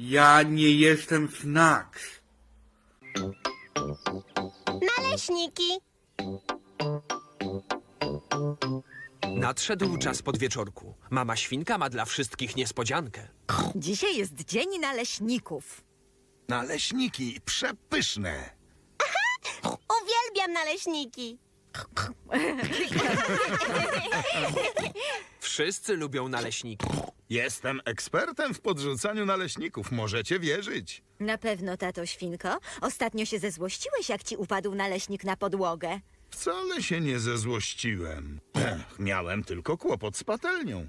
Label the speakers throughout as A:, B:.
A: Ja nie jestem Snacks.
B: Naleśniki.
C: Nadszedł czas podwieczorku. Mama świnka ma dla wszystkich niespodziankę.
D: Dzisiaj jest Dzień Naleśników.
E: Naleśniki przepyszne.
B: Uwielbiam naleśniki.
C: Wszyscy lubią naleśniki.
E: Jestem ekspertem w podrzucaniu naleśników, możecie wierzyć.
D: Na pewno, tato świnko. Ostatnio się zezłościłeś, jak ci upadł naleśnik na podłogę.
E: Wcale się nie zezłościłem. Miałem tylko kłopot z patelnią.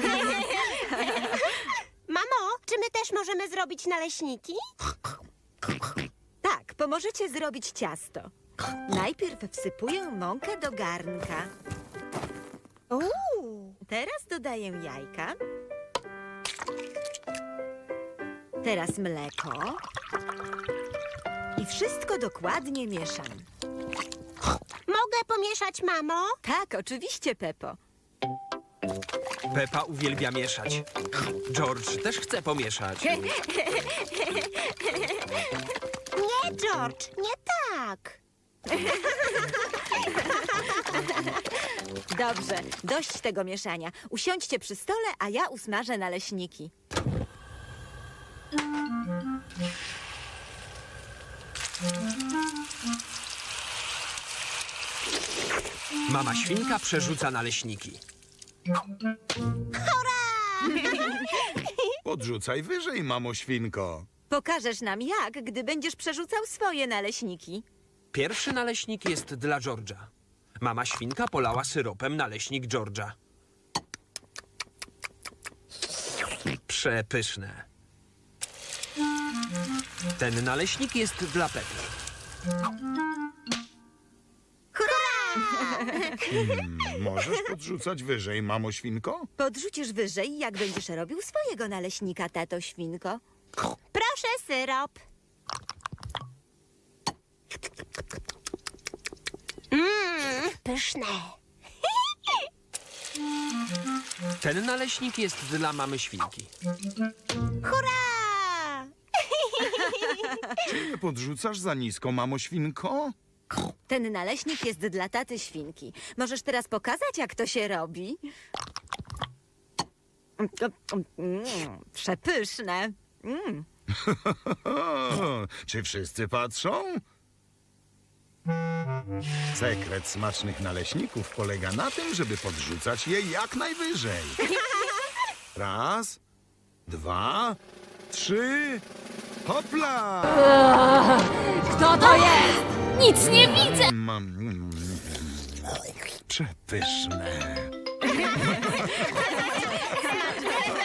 B: Mamo, czy my też możemy zrobić naleśniki?
D: Tak, pomożecie zrobić ciasto. Najpierw wsypuję mąkę do garnka. Teraz dodaję jajka. Teraz mleko. I wszystko dokładnie mieszam.
B: Mogę pomieszać, mamo?
D: Tak, oczywiście, Pepo.
C: Pepa uwielbia mieszać. George też chce pomieszać.
B: Nie, George, nie tak.
D: Dobrze, dość tego mieszania. Usiądźcie przy stole, a ja usmażę naleśniki.
C: Mama świnka przerzuca naleśniki.
E: Podrzucaj wyżej, mamo świnko.
D: Pokażesz nam jak, gdy będziesz przerzucał swoje naleśniki.
C: Pierwszy naleśnik jest dla George'a. Mama świnka polała syropem naleśnik George'a. Przepyszne. Ten naleśnik jest dla Pepy.
E: Możesz podrzucać wyżej, mamo świnko?
D: Podrzucisz wyżej, jak będziesz robił swojego naleśnika, tato świnko.
B: Proszę syrop. Pyszne.
C: Ten naleśnik jest dla mamy świnki.
B: Hurra!
E: Czy nie podrzucasz za nisko, mamo świnko?
D: Ten naleśnik jest dla taty świnki. Możesz teraz pokazać, jak to się robi? Przepyszne.
E: Czy wszyscy patrzą? Sekret smacznych naleśników polega na tym, żeby podrzucać je jak najwyżej. Raz, dwa, trzy, hopla!
F: Kto to jest? Nic nie widzę!
E: Przepyszne.